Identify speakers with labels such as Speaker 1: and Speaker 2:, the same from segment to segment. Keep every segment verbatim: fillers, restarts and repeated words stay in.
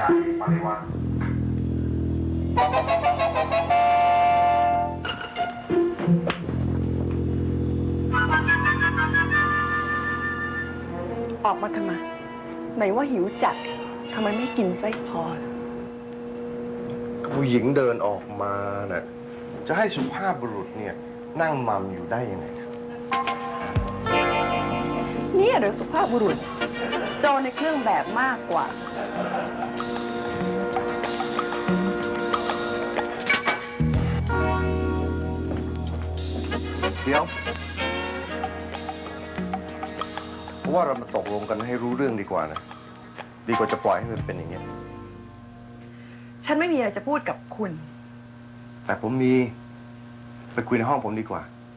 Speaker 1: านิปริวัติ
Speaker 2: ออกมาทำไมไหนว่าหิวจัดทำไมไม่กินไส้พอ
Speaker 1: ผู้หญิงเดินออกมาน่ะจะให้สุภาพบุรุษเนี่ยนั่งมัมอยู่ได้ยังไงครับ
Speaker 2: เนี่ยเดี๋ยวสุภาพบุรุษโจรในเครื่องแบบมากกว่า
Speaker 1: เดี๋ยวเพราะว่าเรามาตกลงกันให้รู้เรื่องดีกว่านะดีกว่าจะปล่อยให้มันเป็นอย่างนี้
Speaker 2: ฉันไม่มีอะไรจะพูดกับคุณ
Speaker 1: แต่ผมมีไปคุยในห้องผมดีกว่า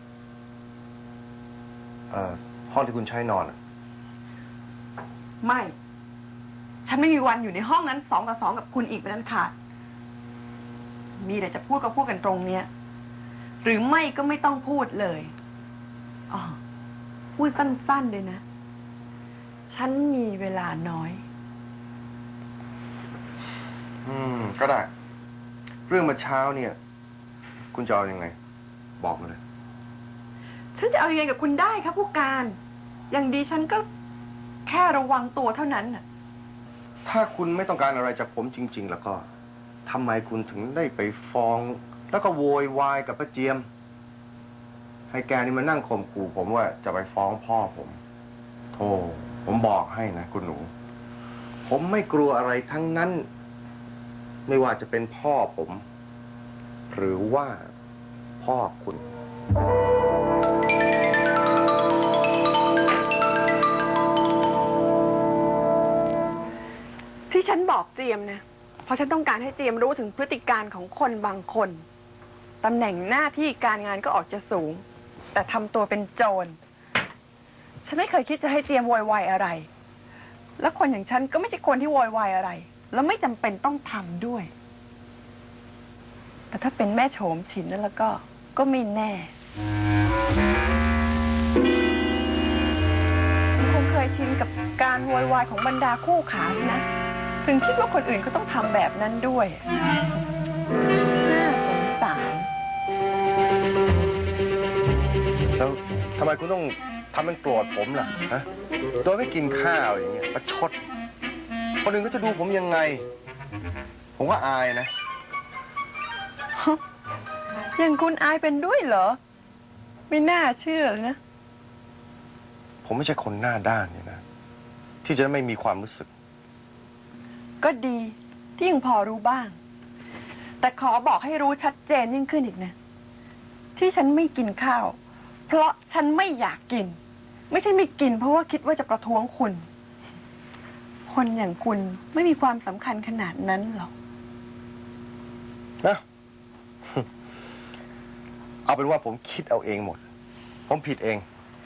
Speaker 1: เอ่อห้องที่คุณใช้นอนอ่ะ
Speaker 2: ไม่ฉันไม่มีวันอยู่ในห้องนั้นสองต่อสองกับคุณอีกเป็นอันขาดมีอะไรจะพูดก็พูดกันตรงเนี้ยหรือไม่ก็ไม่ต้องพูดเลยอ๋อพูดสั้นๆเลยนะฉันมีเวลาน้อย
Speaker 1: อืมก็ได้เรื่องเมื่อเช้าเนี่ยคุณจะเอายังไงบอกมาเลย
Speaker 2: ฉันจะเอายังไงกับคุณได้ครับผู้การอย่างดีฉันก็แค่ระวังตัวเท่านั้นน่ะ
Speaker 1: ถ้าคุณไม่ต้องการอะไรจากผมจริงๆแล้วก็ทำไมคุณถึงได้ไปฟ้องแล้วก็โวยวายกับป้าเจียมให้แกนี่มานั่งข่มขู่ผมว่าจะไปฟ้องพ่อผมโธ่ผมบอกให้นะคุณหนูผมไม่กลัวอะไรทั้งนั้นไม่ว่าจะเป็นพ่อผมหรือว่าพ่อคุณ
Speaker 2: ที่ฉันบอกเจียมนะเพราะฉันต้องการให้เจียมรู้ถึงพฤติการของคนบางคนตำแหน่งหน้าที่การงานก็ออกจะสูงแต่ทำตัวเป็นโจรฉันไม่เคยคิดจะให้เจียมโวยวายอะไรแล้วคนอย่างฉันก็ไม่ใช่คนที่โวยวายอะไรแล้วไม่จำเป็นต้องทำด้วยแต่ถ้าเป็นแม่โฉมฉินนั่นแล้วก็ก็ไม่แน่คงเคยชินกับการโวยวายของบรรดาคู่ขาสินะถึงคิดว่าคนอื่นก็ต้องทำแบบนั้นด้วยน่าสงสาร
Speaker 1: แล้วทำไมคุณต้องทำเป็นโกรธผมล่ะฮะโดยไม่กินข้าวอย่างเงี้ยประชดคนอื่นก็จะดูผมยังไงผมว่าอายนะ
Speaker 2: อย่างคุณอายเป็นด้วยเหรอไม่น่าเชื่อเลยนะ
Speaker 1: ผมไม่ใช่คนหน้าด้านเนี่ยนะที่จะไม่มีความรู้สึก
Speaker 2: ก็ดีที่ยังพอรู้บ้างแต่ขอบอกให้รู้ชัดเจนยิ่งขึ้นอีกนะที่ฉันไม่กินข้าวเพราะฉันไม่อยากกินไม่ใช่ไม่กินเพราะว่าคิดว่าจะประท้วงคุณคนอย่างคุณไม่มีความสำคัญขนาดนั้นหรอก
Speaker 1: นะเอาเป็นว่าผมคิดเอาเองหมดผมผิดเอง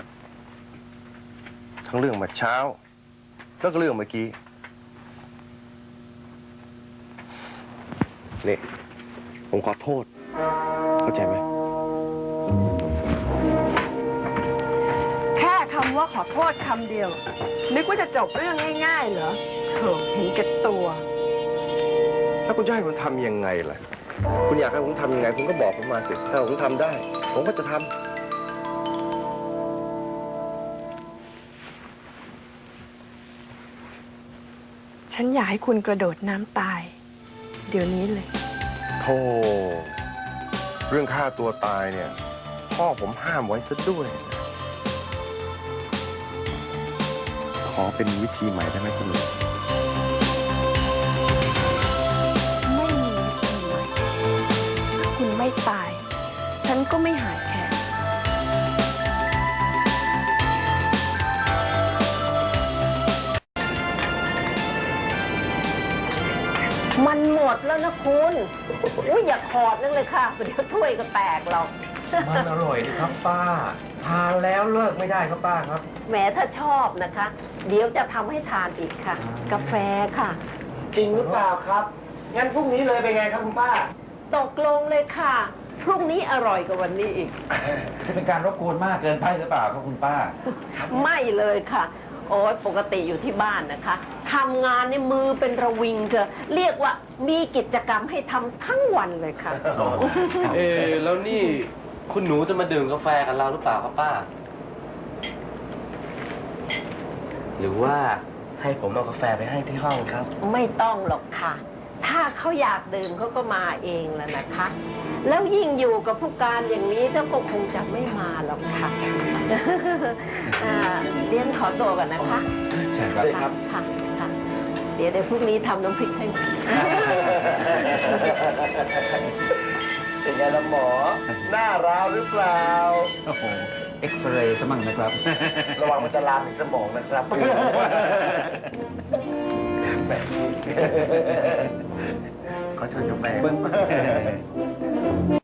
Speaker 1: ทั้งเรื่องเมื่อเช้าแล้วก็เรื่องเมื่อกี้นี่ผมขอโทษเข้าใจไหม
Speaker 2: แค่คำว่าขอโทษคำเดียวนึกว่าจะจบเรื่องง่ายๆเหรอโถเห็นแก่ตัว
Speaker 1: แล้วคุณจะให้ผมทำยังไงล่ะคุณอยากให้ผมทำยังไงคุณก็บอกผมมาสิถ้าผมทำได้ผมก็จะท
Speaker 2: ำฉันอยากให้คุณกระโดดน้ำตายเดี๋ยวนี้เลย
Speaker 1: โธ่เรื่องฆ่าตัวตายเนี่ยพ่อผมห้ามไว้ซะด้วยขอเป็นวิธีใหม่ได้ไหมคุณลุง
Speaker 2: ไม่มีวิธีใหม่ถ้าคุณไม่ตายฉันก็ไม่หายแค้น
Speaker 3: มันหมดแล้วนะคุณอุ้ยอย่าขอดนั่นเลยค่ะเดี๋ยวถ้วยก็แตกหรอก
Speaker 4: มันอร่อยดีครับป้าทานแล้วเลิกไม่ได้ครับป้าครับ
Speaker 3: แหมถ้าชอบนะคะเดี๋ยวจะทำให้ทานอีกค่ะกาแฟค่ะ
Speaker 5: จริงหรือเปล่าครับงั้นพรุ่งนี้เลยเป็นไงครับคุณป้า
Speaker 3: ตกลงเลยค่ะพรุ่งนี้อร่อยกว่าวันนี้อีก
Speaker 4: จะเป็นการรบกวนมากเกินไปหรือเปล่าครับคุณป้า
Speaker 3: ไม่เลยค่ะโอ้ยปกติอยู่ที่บ้านนะคะทำงานนี่มือเป็นระวิงเถอะเรียกว่ามีกิจกรรมให้ทำทั้งวันเลยค่ะ
Speaker 4: เออแล้วนี่คุณหนูจะมาดื่มกาแฟกับเราหรือเปล่าครับป้า หรือว่าให้ผมเอากาแฟไปให้ที่ห้องครับ
Speaker 3: ไม่ต้องหรอกค่ะ ถ้าเขาอยากดื่มเขาก็มาเองแล้วนะคะ แล้วยิ่งอยู่กับผู้การอย่างนี้เจ้าก็คงจะไม่มาหรอกค่ะ อ่าเรียนขอตัวก่อนนะคะ
Speaker 4: ใช่ครับ
Speaker 3: ค่ะค่ะ เดี๋ยวเดี๋ยวพรุ่งนี้ทำน้ำพริกให้
Speaker 5: เป็นไงล่ะหมอ หน้าราวหรือเปล่า
Speaker 6: โอ้โห เอ็กซเรย์ซะมั่งนะครับ
Speaker 5: ระวังมันจะลามถึงสมองนะครับ
Speaker 6: ขอเชิญกาแฟ